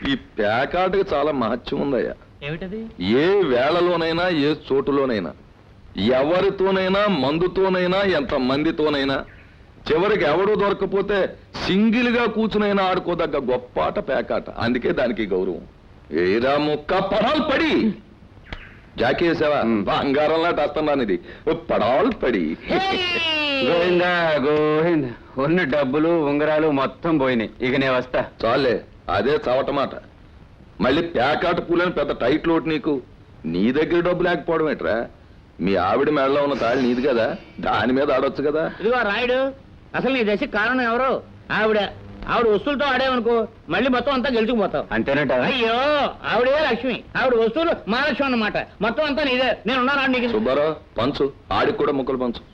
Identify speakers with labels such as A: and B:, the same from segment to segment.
A: ఈ పేకాటకి చాలా మహత్యం ఉందయ్యా.
B: ఏమిటది?
A: ఏ వేళలోనైనా ఏ చోటులోనైనా ఎవరితోనైనా మందుతోనైనా ఎంత మందితోనైనా చివరికి ఎవడు దొరకపోతే సింగిల్ గా కూర్చునైనా ఆడుకోదగ్గ గొప్ప ఆట పేకాట. అందుకే దానికి గౌరవం. ఏరా ముక్క పడాలు పడి జాకీ వేసావా? బంగారంలా టస్తున్నాను ఇది పడాలు పడి.
C: గోవిందా గోవింద, ఉన్న డబ్బులు ఉంగరాలు మొత్తం పోయినాయి. ఇక నేను వస్తా.
A: చాలే, అదే చవటమాట. మళ్ళీ పేకాట పూలని పెద్ద టైట్ లోటు నీకు. నీ దగ్గర డబ్బు లేకపోవడం ఏంట్రా? మీ ఆవిడ మెడలో ఉన్న తాళి నీది కదా, దాని మీద ఆడొచ్చు కదా.
B: ఇదిగో రాయుడు, అసలు నీ దశ కారణం ఎవరు? ఆవిడ వస్తువులతో ఆడేవనుకో మళ్ళీ మొత్తం అంతా గెలుచుకుపోతావు.
C: అంతేనట?
B: అయ్యో, ఆవిడే లక్ష్మి, ఆవిడ వస్తువులు మహాలక్ష్మి అన్నమాట. మొత్తం అంతా నీదే. నేను ఉన్నాను నీకు.
A: సుబ్బారావు పంచు, ఆడికి కూడా ముక్కలు పంచు.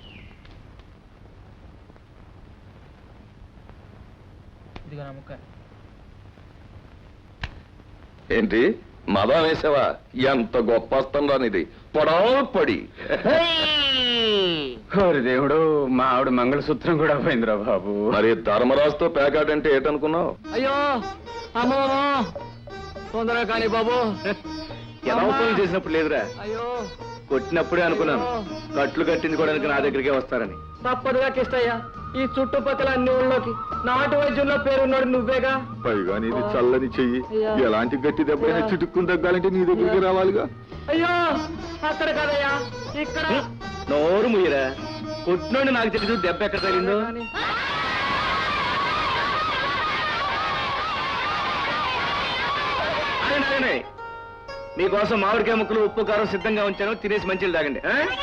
A: ఏంటి మదం వేసావా? ఎంత గొప్ప వస్తుందా ఇది పొడవు పడి.
C: ఓరి దేవుడు, మా ఆవిడ మంగళసూత్రం కూడా పోయిందిరా బాబు.
A: మరి ధర్మరాజుతో పేకాట అంటే ఏంటనుకున్నావు?
B: అయ్యో అమ్మో, తొందరగా కానీ బాబు.
C: ఎలా ఫోన్ చేసినప్పుడు లేదురా,
B: అయ్యో
C: కొట్టినప్పుడే అనుకున్నాను కట్లు కట్టించుకోవడానికి నా దగ్గరికే వస్తారని.
B: తప్పదుగా కిష్టయ్యా, ఈ చుట్టుపక్కల అన్ని ఊళ్ళోకి నాటు వైద్యుల్లో పేరున్నాడు నువ్వేగా.
A: పైగా నీది చల్లని చెయ్యి, ఎలాంటి గట్టి దెబ్బైనా చిటుక్కుని తగ్గాలంటే నీ దగ్గరికి రావాలిగా.
B: అయ్యో అక్కడ కదయ్యా, ఇక్కడ.
C: నోరు ముయ్యరా, కొట్టినోడు నాకు తెలియదు దెబ్బ ఎక్కడ తగిలిందో. మీకోసం మామిడికాయ ముక్కలు ఉప్పు కారం సిద్ధంగా ఉంచాను, తినేసి మంచిలు తాగండి.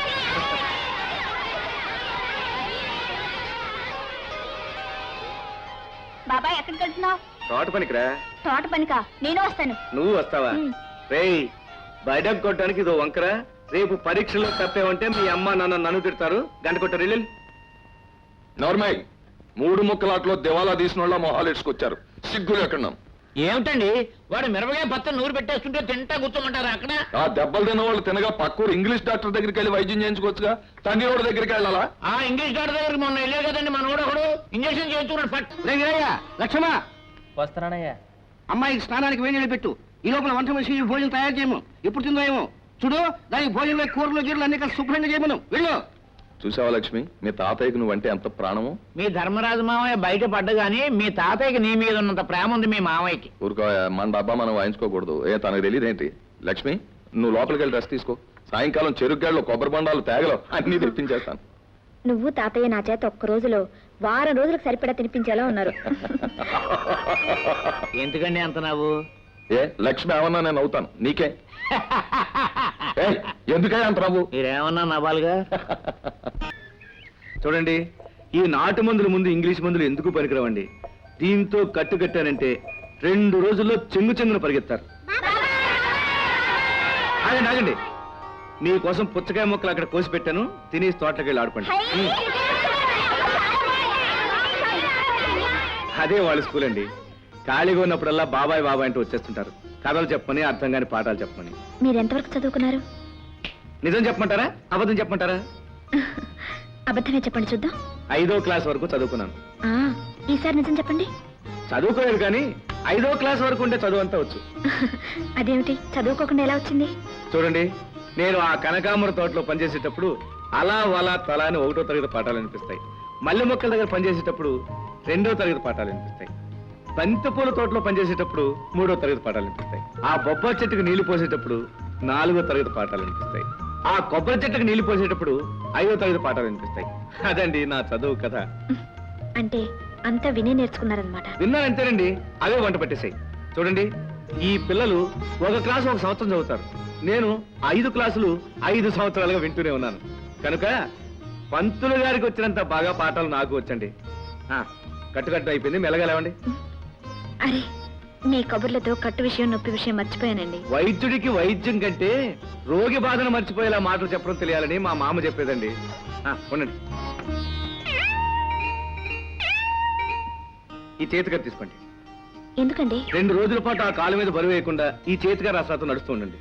D: బాబాయ్ ఎక్కడికి వెళ్తున్నావు?
C: తోట పనికిరా.
D: తోట పనికా? నేను వస్తాను.
C: నువ్వు వస్తావా? రేయ్, బయట కొట్టడానికి ఇదో వంకరా. రేపు పరీక్షలో తప్పేమంటే మీ అమ్మ నాన్న నన్ను తిడతారు. గంట కొట్టారు ఇల్లు.
A: నోర్మై, 3 ముక్కలాట్లో దివాలా తీసిన వాళ్ళ మొహాలు ఇసుకొచ్చారు. సిగ్గులు ఎక్కడున్నాం?
B: ఏమిటండి, వాడు మిరపకాయ పచ్చని నూరు పెట్టేస్తుంటే తింటా కూర్చోమంటారా అక్కడ?
A: ఆ దెబ్బలు తిన్న వాళ్ళు తినగా పక్కూరు ఇంగ్లీష్ డాక్టర్ దగ్గరికి వెళ్ళి వైద్యం చేయించుకోవచ్చుగా. తండ్రి వాడి దగ్గరికి వెళ్ళాలా?
B: ఆ ఇంగ్లీష్ డాక్టర్ దగ్గరికి మొన్న వెళ్ళే కదండి మన ఒకడు ఇంజక్షన్ చేయించుకున్నాడు. ఫట్
E: లక్ష్మా,
B: వస్తున్నానయ్యా.
E: అమ్మాయికి స్నానానికి వేడి నీళ్ళు పెట్టు. ఈ లోపల వంట మనిషి భోజనం తయారు చేయము. ఎప్పుడు తిందో ఏమో చూడు. దానికి భోజనంలో కూరలు గీరలు అన్ని కలిసి శుభ్రంగా చేయమను. వెళ్ళు.
A: చూసావా లక్ష్మి, మీ తాతయ్యకు నువ్వంటే ఎంత ప్రాణము.
B: మీ ధర్మరాజు మామయ్య బయట పడ్డగాని మీ తాతయ్యకి నీ మీద ఉన్నంత ప్రేమ ఉంది మీ మామయ్యకి.
A: ఊరుకో, మన డబ్బా మనం వాయించుకోకూడదు. తనకు తెలియదేంటి? లక్ష్మి, నువ్వు లోపలికి వెళ్ళి రెస్ట్ తీసుకో. సాయంకాలం చెరుగ్గాళ్ళు, కొబ్బరి బండాలు, తేగలు అన్ని తెప్పించేస్తాను.
D: నువ్వు తాతయ్య నా చేత ఒక్క రోజులో వారం రోజులకు సరిపడా తినిపించేలా ఉన్నారు.
B: ఎందుకండి అంత నవ్వు?
A: లక్ష్మి ఏమన్నా నేను అవుతాను నీకే. ఎందుకే అంత నవ్వు?
B: మీరేమన్నా నవ్వాలిగా.
C: చూడండి, ఈ నాటు మందుల ముందు ఇంగ్లీష్ మందులు ఎందుకు పనికిరావండి. దీంతో కట్టు కట్టానంటే 2 రోజుల్లో చెంగున పరిగెత్తారు. ఆగండి, మీకోసం పుచ్చకాయ మొక్కలు అక్కడ కోసి పెట్టాను. తినేసి తోటలోకి వెళ్ళి ఆడుకోండి. అదే వాళ్ళ స్కూల్ అండి. ఖాళీగా ఉన్నప్పుడల్లా బాబాయ్ బాబాయ్ అంటూ వచ్చేస్తుంటారు. కథలు చెప్పమని, అర్థం కాని పాఠాలు చెప్పమని.
D: మీరు ఎంతవరకు చదువుకున్నారు?
C: నిజం చెప్పమంటారా, అబద్ధం చెప్పమంటారా?
D: అబద్ధమే చెప్పండి చూద్దాం.
C: 5వ క్లాస్ వరకు చదువుకున్నాను.
D: ఈసారి నిజం చెప్పండి.
C: చదువుకోలేదు కానీ 5వ క్లాస్ వరకు ఉంటే చదువు అంతా వచ్చు.
D: అదేమిటి, చదువుకోకుండా ఎలా వచ్చింది?
C: చూడండి, నేను ఆ కనకాంబర తోటలో పనిచేసేటప్పుడు అలా వలా తలా అని 1వ తరగతి పాఠాలు అనిపిస్తాయి. మల్లె మొక్కల దగ్గర పనిచేసేటప్పుడు 2వ తరగతి పాఠాలు అనిపిస్తాయి. బంతిపూల తోటలో పనిచేసేటప్పుడు 3వ తరగతి పాఠాలు అనిపిస్తాయి. ఆ బొబ్బరి చెట్టుకు నీళ్లు పోసేటప్పుడు 4వ తరగతి పాఠాలు అనిపిస్తాయి. ఆ కొబ్బరి చెట్టుకు నీళ్లు పోసేటప్పుడు 5వ తరగతి పాఠాలు అనిపిస్తాయి. అదండి నా చదువు కథ.
D: అంటే అంతా వినే నేర్చుకున్నారనమాట.
C: విన్నానంతేనండి, అవే వంట పట్టేశాయి. చూడండి, ఈ పిల్లలు ఒక క్లాసు 1 సంవత్సరం చదువుతారు. నేను 5 క్లాసులు 5 సంవత్సరాలుగా వింటూనే ఉన్నాను. కనుక పంతులు గారికి వచ్చినంత బాగా పాఠాలు నాకు వచ్చండి. కట్టు అయిపోయింది, మెల్లగా లేవండి.
D: అరే, మీ కబుర్లతో కట్టు విషయం, నొప్పి విషయం మర్చిపోయానండి.
C: వైద్యుడికి వైద్యం కంటే రోగి బాధను మర్చిపోయేలా మాటలు చెప్పడం తెలియాలని మా మామ చెప్పేదండి. ఉండండి, ఈ చేతిగా తీసుకోండి.
D: ఎందుకండి?
C: 2 రోజుల పాటు ఆ కాలు మీద బరువు వేయకుండా ఈ చేతిగా రాసాతో నడుస్తూ ఉండండి.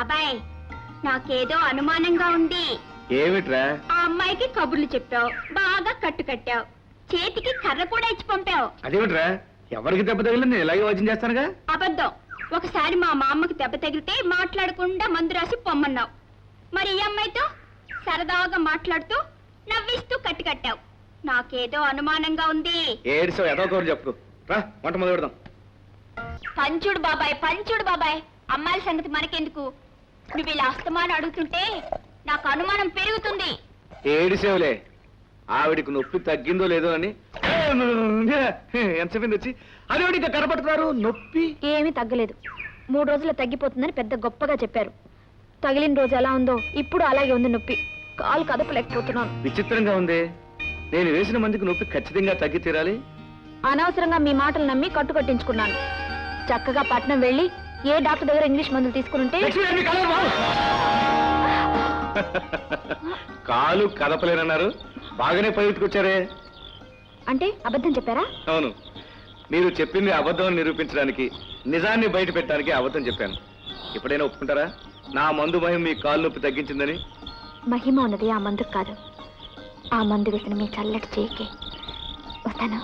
D: బాబాయ్ నాకేదో అనుమానంగా ఉంది.
C: ఏమిట్రా?
D: ఆ అమ్మాయికి కబుర్లు చెప్పావు, బాగా కట్టు కట్టావు, చేతికి కర్ర కూడా ఇచ్చి పంపావు.
C: అదేమిట్రా? ఎవరికి దెబ్బ తగిలింది నేను ఇలాగే వచనం చేస్తానుగా.
D: అబద్ధం. ఒకసారి మా మామకి దెబ్బ తగిలితే మాట్లాడకుండా మందు రాసి పొమ్మన్నావు. మరి ఈ అమ్మాయితో సరదాగా మాట్లాడుతూ నవ్విస్తూ కట్టు కట్టావు. నాకేదో అనుమానంగా ఉంది.
C: ఏడుసో ఏదో ఒకరు చెప్పు. రా వంట మొదలు పెడదాం.
D: పంచుడు బాబాయ్, పంచుడు బాబాయ్. అమ్మాయిల సంగతి మనకెందుకు? నువ్వు ఇలా అస్తమానం అడుగుతుంటే నాకు అనుమానం పెరుగుతుంది.
C: ఏడిసేవులే, ఆవిడికి నొప్పి తగ్గిందో లేదో అని ఎంతసేపు వచ్చి అదేవిడి ఇంకా కనపడుతున్నారు. నొప్పి
D: ఏమీ తగ్గలేదు. 3 రోజుల్లో తగ్గిపోతుందని పెద్ద గొప్పగా చెప్పారు. తగిలిన రోజు ఎలా ఉందో ఇప్పుడు అలాగే ఉంది నొప్పి. కాలు కదపలేకపోతున్నాను.
C: విచిత్రంగా ఉంది. నేను వేసిన మందికి నొప్పి ఖచ్చితంగా తగ్గి తీరాలి.
D: అనవసరంగా మీ మాటలు నమ్మి కట్టు కట్టించుకున్నాను. చక్కగా పట్నం వెళ్ళి ఏ డాక్టర్ దగ్గర ఇంగ్లీష్ మందులు తీసుకుని
C: కాలు కదపలేనన్నారు. బాగానే పైకి
D: అంటే అబద్ధం చెప్పారా?
C: అవును, మీరు చెప్పింది అబద్ధం నిరూపించడానికి, నిజాన్ని బయట పెట్టడానికి అబద్ధం చెప్పాను. ఎప్పుడైనా ఒప్పుకుంటారా నా మందు మహిమ మీ కాలు నొప్పి తగ్గించిందని?
D: మహిమ ఉన్నది ఆ మందుకు కాదు, ఆ మందు వేసిన మీ చల్లటి చేయికి. వస్తాను.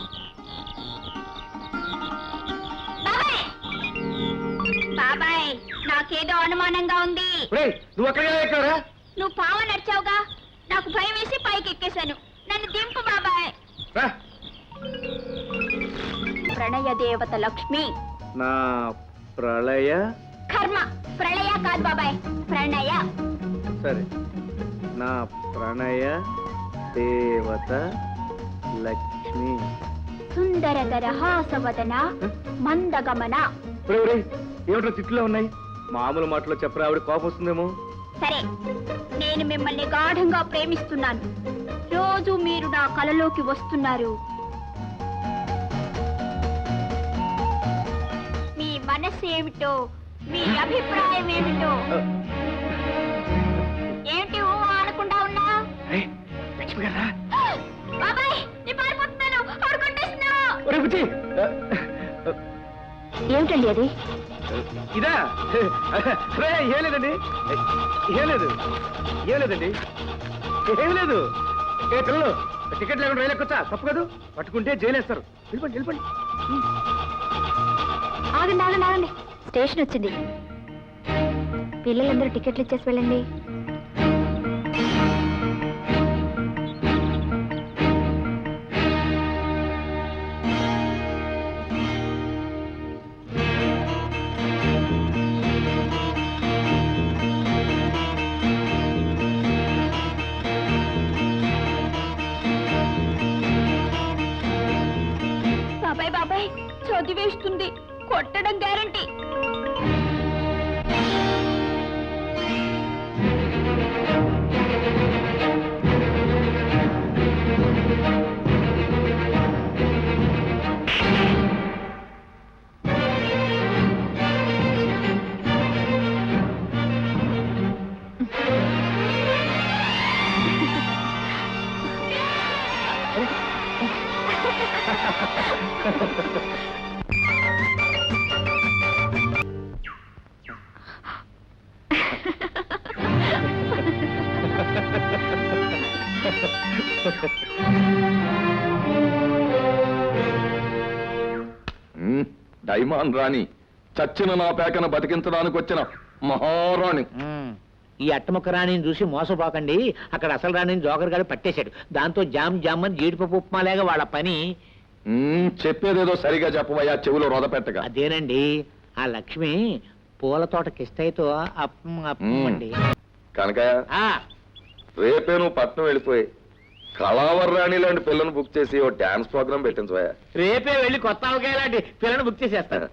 D: బాబాయ్ నాకేదో అనుమానంగా ఉంది.
C: నువ్వు అక్కడ ఎక్కారా?
D: నువ్వు పావ నడిచావుగా, నాకు భయం వేసి పైకి ఎక్కేశాను. నన్ను దింపు బాబాయ్. ప్రణయ దేవత లక్ష్మి.
C: నా ప్రళయ
D: కర్మ. ప్రళయ కాదు బాబాయ్, ప్రణయ.
C: సరే, నా ప్రణయ దేవత లక్ష్మి.
D: సుందరధర హాసవదన మందగమన.
C: ఏమిటో తిట్లో ఉన్నాయి. మామూలు మాటలో చెప్పరా, ఆవిడ కోపం వస్తుందేమో.
D: సరే, నేను మిమ్మల్ని గాఢంగా ప్రేమిస్తున్నాను. రోజు మీరు నా కలలోకి వస్తున్నారు. మీ మనసు ఏమిటో, మీ అభిప్రాయం ఏమిటో. ఏంటి ఊ అనకుండా ఉన్నా?
C: లక్ష్మి గారా?
D: బాబాయ్ నేను పారిపోతున్నాను. ఆడుకుంటేస్తున్నావు. ఏమిటండి అది?
C: ఇదా? ఏం లేదండి, ఏం లేదు, ఏం లేదండి, ఏం లేదు. ఏ పిల్లలు, టికెట్ లేకుండా రైలు ఎక్కొచ్చా? తప్పు కాదు, పట్టుకుంటే జైలు వేస్తారు. వెళ్ళిపోండి వెళ్ళిపోండి.
D: ఆగండి ఆగండి ఆగండి, స్టేషన్ వచ్చింది. పిల్లలందరూ టికెట్లు ఇచ్చేసి వెళ్ళండి. బాబాయ్ బాబాయ్ చదివేస్తుంది, కొట్టడం గ్యారంటీ.
A: డైమాన్ రాణి, చచ్చిన నా పేకను బతికించడానికి వచ్చిన మహారాణి.
B: ఈ అట్టముక్క రాణిని చూసి మోసపోకండి. అక్కడ అసలు రాణిని జోకర్ గారు పట్టేశాడు. దాంతో జామ్ జామ్ అని జీడిపప్పు ఉప్మాలేగా వాళ్ళ పని.
A: చెప్పేదేదో సరిగా చెప్పవయ్యా, చెవులో రొద పెట్టగా.
B: అదేనండి, ఆ లక్ష్మి పూల తోట కిష్టయితో అప్పండి.
A: కనకయ్య, రేపే నువ్వు పట్నం వెళ్ళిపోయి కళావర్ రాణి లాంటి పిల్లను బుక్ చేసి ఓ డాన్స్ ప్రోగ్రామ్ పెట్టించవయ్యా.
B: రేపే వెళ్ళి కొత్త అవకాయ లాంటి పిల్లను బుక్ చేసేస్తారు.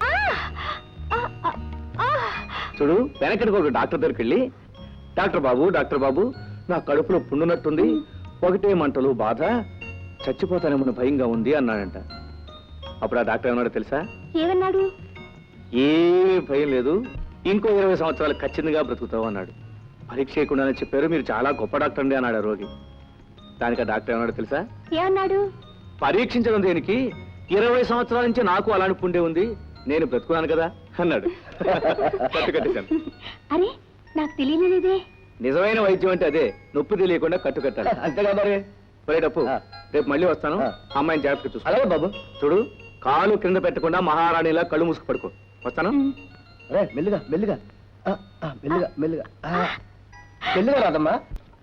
C: చూడు, వెనకటికి ఒక డాక్టర్ దగ్గరికి వెళ్ళి, డాక్టర్ బాబు నా కడుపులో పుండునట్టుంది, ఒకటే మంటలు బాధ, చచ్చిపోతానేమో భయంగా ఉంది అన్నాడంట. అప్పుడు ఆ డాక్టర్ ఏమన్నాడు తెలుసా?
D: ఏమన్నాడు?
C: ఏమీ భయం లేదు, ఇంకో 20 సంవత్సరాలు ఖచ్చితంగా బ్రతుకుతావు అన్నాడు. పరీక్ష చేయకుండానే చెప్పారు, మీరు చాలా గొప్ప డాక్టర్ అండి అన్నాడు ఆ రోగి. దానికి ఆ డాక్టర్ ఏమన్నాడు తెలుసా?
D: ఏమన్నాడు?
C: పరీక్షించడం దేనికి, 20 సంవత్సరాల నుంచి నాకు అలాంటి పుండే ఉంది, నేను బ్రతుకున్నాను కదా అన్నాడు. కట్టేశాను.
D: అరే నాకు తెలియలేదే.
C: నిజమైన వైద్యం అంటే అదే, నొప్పి తెలియకుండా కట్టు కట్టాలి.
E: అంతేగా మరి.
C: పోయేటప్పు
E: ఆ.
C: రేపు మళ్ళీ వస్తాను.
E: ఆ.
C: అమ్మాయిని జాగ్రత్తగా చూసుకో.
E: అలాగే బాబు.
C: చూడు, కాలు కింద పెట్టకుండా మహారాణిలా కళ్ళు మూసుకు పడుకో. వస్తాను.
E: అరే మెల్లిగా మెల్లిగా మెల్లిగా మెల్లిగా మెల్లిగా రాదమ్మా.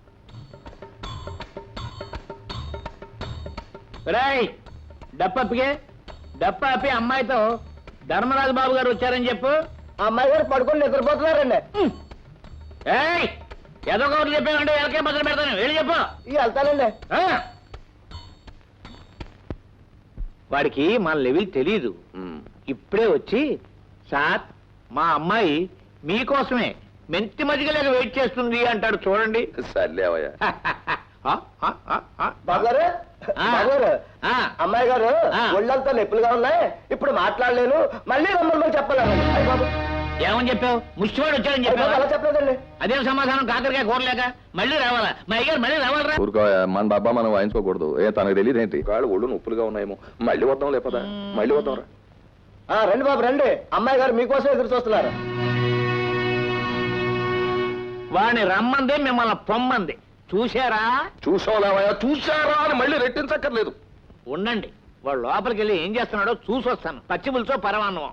B: రేయ్ డప్పప్పికే డప్పాపి అమ్మాయితో ధర్మరాజు బాబు గారు వచ్చారని చెప్పు.
E: ఆ అమ్మాయి గారు పడుకొని నిద్రపోతున్నారండి.
B: ఏయ్ ఏదో ఒకటి చెప్పామంటే ఎలకే మొదలు పెడతాను, వెళ్ళి చెప్పు.
E: ఇక వెళ్తానండి.
B: ఆ? వాడికి మన లెవెల్ తెలీదు. ఇప్పుడే వచ్చి సార్ మా అమ్మాయి మీకోసమే మెంతి మజ్జిగలేక వెయిట్ చేస్తుంది అంటాడు చూడండి.
A: సర్లేవయ్యా.
E: బాబు గారు,
B: ఆ.
E: బాబు గారు,
B: ఆ.
E: అమ్మాయి గారు
B: ఆ.
E: ఒళ్ళంతా నొప్పులుగా ఉన్నాయి, ఇప్పుడు మాట్లాడలేను, మళ్ళీ రమ్మని చెప్పాలండి. అయ్యి బాబు,
B: ఏమని చెప్పావు? ముష్టివాడు వచ్చాడని
E: అయ్య బాబు,
B: చెప్పావు.
E: అలా చెప్పలేదండి.
B: అదేం సమాధానం? కాకరకాయ కూరలేక మళ్ళీ రావాలా? మా అయ్యారు మళ్ళీ రావాలరా?
A: ఊరుకోయా, మన డబ్బా మనం వాయించుకోకూడదు. తనకు తెలియదు ఏంటి, కాళ్ళు ఒళ్ళు నొప్పులుగా ఉన్నాయేమో. మళ్ళీ వద్దాం లేపదా, మళ్ళీ వద్దాం రా.
E: రండి బాబు రండి, అమ్మాయి గారు మీకోసం ఎదురు చూస్తున్నారు.
B: వాడిని రమ్మంది, మిమ్మల్ని పొమ్మంది. చూశారా?
A: చూసావులేవయ్యా, చూసారా అని మళ్ళీ రెట్టించక్కర్లేదు.
B: ఉండండి, వాడు లోపలికి వెళ్ళి ఏం చేస్తున్నాడో చూసి వస్తాను. పచ్చి పులుసో పరమాన్నం.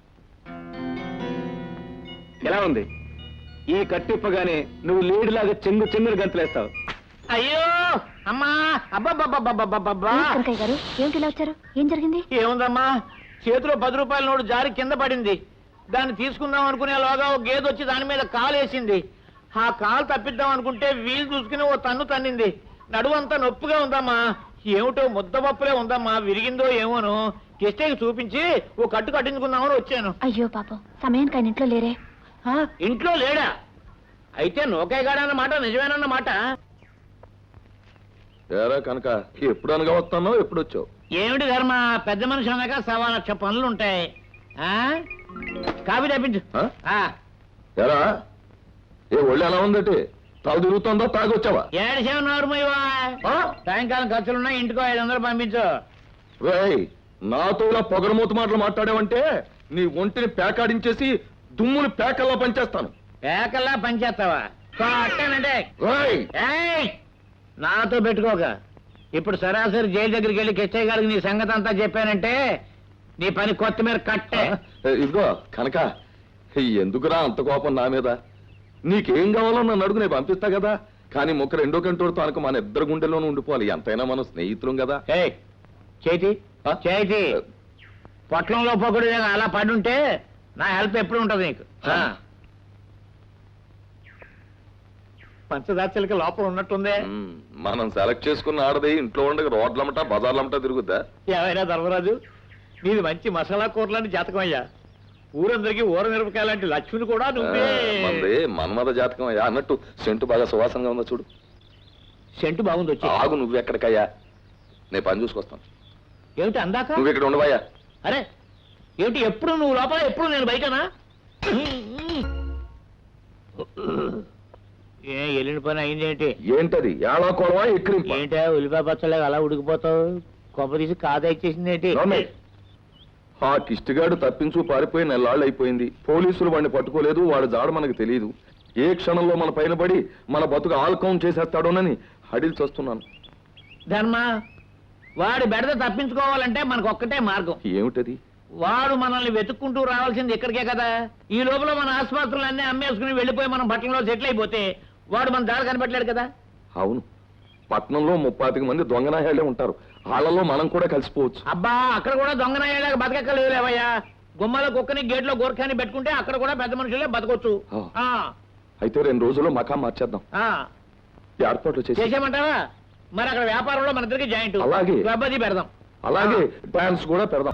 C: ఎలా ఉంది? ఈ కట్టిప్పగానే నువ్వు లేడిలాగా చెంగుని గంతులేస్తావు.
B: అయ్యో అమ్మా, అబ్బబ్బబ్బబ్బబ్బబ్బబ్బా.
D: కనకయ్య గారు ఏమిటి ఇలా వచ్చారు? ఏం జరిగింది?
B: ఏముందమ్మా, చేతిలో 10 రూపాయల నోటు జారి కింద పడింది. దాన్ని తీసుకుందాం అనుకునేలోగా ఒక గేదె వచ్చి దాని మీద కాలు వేసింది. ఆ కాలు తప్పిద్దాం అనుకుంటే వీలు చూసుకుని ఓ తన్ను తన్నింది. నడువంతా నొప్పిగా ఉందమ్మా. ఏమిటో ముద్దపప్పులే ఉందమ్మా, విరిగిందో ఏమోను. కిష్టకి చూపించి ఓ కట్టు కట్టించుకుందామని వచ్చాను.
D: అయ్యో పాపం, సమయానికి ఆయన ఇంట్లో లేరే?
B: ఇంట్లో లేడా? అయితే నోకాయగాడన్నమాట నిజమేనన్నమాట.
A: ఏరా కనుక ఎప్పుడు అనగా వస్తానో ఎప్పుడు వచ్చావు?
B: ఏమిటి ధర్మ, పెద్ద మనిషి అన్నాక 1,000,000 పనులు ఉంటాయి. కాఫీ తెప్పించు.
A: ఆ? ఏరా ఒళ్ళు ఎలా ఉందటి? తాగు తిరుగుతుందో తాగొచ్చావా?
B: ఏడిసేమన్నారు సాయంకాలం ఖర్చులున్నాయి, ఇంటికో 500 పంపించు.
A: రేయ్, నాతో ఇలా పొగరమూత మాటలు మాట్లాడావంటే నీ ఒంటిని పేకాడించేసి దుమ్ముని పేకల్లా పంచేస్తాను.
B: పేకల్లా పనిచేస్తావా? అట్టేనంటే
A: రేయ్,
B: నాతో పెట్టుకోక. ఇప్పుడు సరాసరి జైలు దగ్గరికి వెళ్ళి కిచ్చయ్య గారికి నీ సంగతి అంతా చెప్పానంటే నీ పని కొత్తిమీర కట్టే.
A: ఇదిగో కనుక ఎందుకురా అంత కోపం నా మీద? నీకేం కావాలో నన్ను అడుగు, నేను పంపిస్తా కదా. కానీ ముక్క 2 గంటలతో అనుకో మన ఇద్దరు గుండెల్లోనూ ఉండిపోవాలి. ఎంతైనా మనం స్నేహితులం కదా.
B: చేతి చేతి పొట్లంలో పొగడు అలా పడుంటే నా హెల్ప్ ఎప్పుడు ఉంటది నీకు. పంచదార్చలకి లోపల ఉన్నట్టుందే.
A: మనం సెలెక్ట్ చేసుకున్న ఆడది ఇంట్లో ఉండగా రోడ్లమ్మట బజార్లమ్మట తిరుగుద్దా?
B: ఏమైనా ధర్మరాజు, నీది మంచి మసాలా కూరలాంటి జాతకం అయ్యా. ఊరందరికీ ఊర మిరపకాయ లాంటి లక్ష్మిని కూడా నువ్వే.
A: మంది మన్మద జాతకం అయ్యా. అన్నట్టు సెంటు బాగా సువాసనగా ఉందో చూడు.
B: సెంటు బాగుంది వచ్చి.
A: ఆగు, నువ్వెక్కడికయ్యా, నేను పని చూసుకొస్తాను.
B: ఏమిటి అందాక?
A: నువ్వు ఇక్కడ ఉండవయ్యా.
B: అరే ఏమిటి, ఎప్పుడు నువ్వు లోపల ఎప్పుడు నేను బయటనా? వెళ్ళిన పని అయిందేంటి?
A: ఏంటది? ఏళా కొడవా ఎక్కిరింప?
B: ఏంటా ఉల్లిపాయ పచ్చలేక అలా ఉడికిపోతావు? కొబ్బ తీసి కాదా ఇచ్చేసింది ఏంటి?
A: ఆ కిష్టిగాడు తప్పించు పారిపోయి 4 నాళ్ళు అయిపోయింది. పోలీసులు వాడిని పట్టుకోలేదు. వాడు జాడ మనకు తెలియదు. ఏ క్షణంలో మన పైన పడి మన బతుకు ఆల్కౌంట్ చేసేస్తాడోనని హడిల్ చేస్తున్నాను.
B: ధర్మ, వాడి బెడద తప్పించుకోవాలంటే మనకు ఒక్కటే మార్గం.
A: ఏమిటది?
B: వాడు మనల్ని వెతుక్కుంటూ రావాల్సింది ఇక్కడికే కదా. ఈ లోపల మన ఆసుపత్రులన్నీ అమ్మేసుకుని వెళ్ళిపోయి మనం పట్టణంలో సెటిల్ అయిపోతే వాడు మన దారి కనిపెట్టలేడు కదా.
A: అవును, పట్నంలో 35 మంది దొంగనాయాళ్లే ఉంటారు. వాళ్ళలో మనం కూడా కలిసిపోవచ్చు.
B: అబ్బా, అక్కడ కూడా దొంగనాయాలకు బతకెక్కలేవులేవయ్యా. గుమ్మలో కుక్కని గేట్లో గోర్ఖాని పెట్టుకుంటే అక్కడ కూడా పెద్ద మనుషులే బతకొచ్చు.
A: అయితే 2 రోజుల్లో మకాం మార్చేద్దాం. ఏర్పాట్లు
B: చేసేయమంటావా? మరి అక్కడ వ్యాపారంలో మన ఇద్దరికి జాయింట్.
A: అలాగే.
B: క్లబ్ అది పెడదాం.
A: అలాగే డాన్స్ కూడా పెడదాం.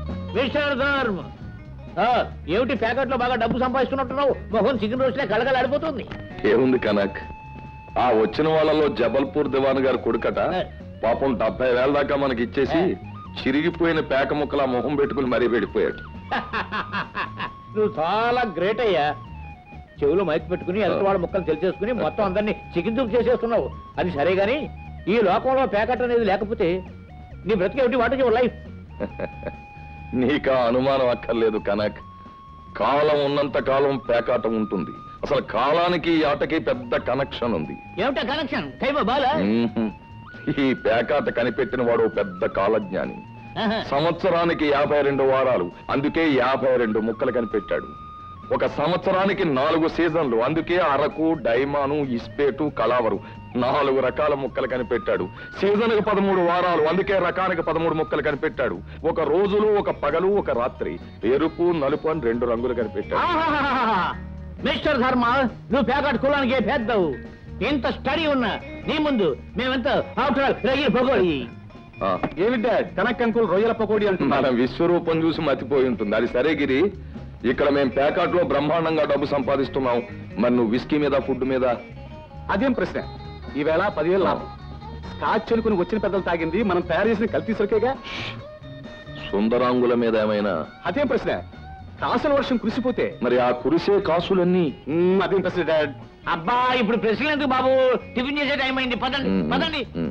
B: ఏమిటి ప్యాకెట్ లో బాగా డబ్బు సంపాదిస్తున్నట్టున్నావు? మొహం చికెన్ రోస్ట్లే కళగలాడిపోతుంది.
A: ఏముంది కనక్, ఆ వచ్చిన వాళ్ళలో జబల్పూర్ దివాన్ గారు కొడుకట. పాపం 70,000 దాకా మనకి ఇచ్చేసి చిరిగిపోయిన పేక ముక్కలా మొహం పెట్టుకుని మరీ వెళ్ళిపోయాడు.
B: నువ్వు చాలా గ్రేట్ అయ్యా. చెవులు మైక్ పెట్టుకుని ఎదుటి వాళ్ళ ముక్కలు తెలిసేసుకుని మొత్తం అందరినీ చికెన్ దూకు చేసేస్తున్నావు. అది సరే గాని ఈ లోకంలో ప్యాకెట్ అనేది లేకపోతే నీ బ్రతికేమిటి? What is your life?
A: నీకా అనుమానం అక్కర్లేదు కనక్. కాలం ఉన్నంత కాలం పేకాట ఉంటుంది. అసలు కాలానికి ఈ ఆటకి పెద్ద కనెక్షన్ ఉంది.
B: ఏమిటా కనెక్షన్ కైమ బాల
A: మ్మ్హ్. ఈ పేకాట కనిపెట్టిన వాడు పెద్ద కాలజ్ఞాని. సంవత్సరానికి 52 వారాలు, అందుకే 52 ముక్కలు కనిపెట్టాడు. ఒక సంవత్సరానికి 4 సీజన్లు, అందుకే అరకు, డైమాను, ఇస్పేటు, కళావరు 4 రకాల ముక్కలు కనిపెట్టాడు. సీజన్ కి 13 వారాలు, అందుకే రకానికి 13 ముక్కలు కనిపెట్టాడు. ఒక రోజులు, ఒక పగలు, ఒక రాత్రి, ఎరుపు, నలుపు అని 2 రంగులు కనిపెట్టాడు.
B: మిస్టర్ ధర్మ, నువ్వు పేకాట కులానికి పెద్దవు. ఎంత స్టడీ ఉన్నా నీ ముందు మేమెంత పొగోడి.
A: ఆ,
C: ఏమి డాడ్ కనకంకుల్ రొయ్యల పకోడీ
A: మన విశ్వరూపం చూసి మతిపోయి ఉంటుంది. అది సరే గిరి, ఇక్కడ మేము పేకాట్లో బ్రహ్మాండంగా డబ్బు సంపాదిస్తున్నాం. మరి నువ్వు విస్కీ మీద, ఫుడ్ మీద?
C: అదేం ప్రశ్న, ఈవేళ 10,000 లాభం. స్కాచ్ అనుకుని వచ్చిన పెద్దలు తాగింది మనం తయారు చేసిన కల్తీ సరికేగా.
A: సుందరాంగుల మీద ఏమైనా?
C: అదేం ప్రశ్న, కాసుల వర్షం కురిసిపోతే
A: మరి ఆ కురిసే కాసులన్నీ?
C: అదేం ప్రశ్న డాడ్.
B: అబ్బా ఇప్పుడు ప్రశ్నలు ఎందుకు బాబు, టిఫిన్ చేసే టైం అయింది, పదండి పదండి.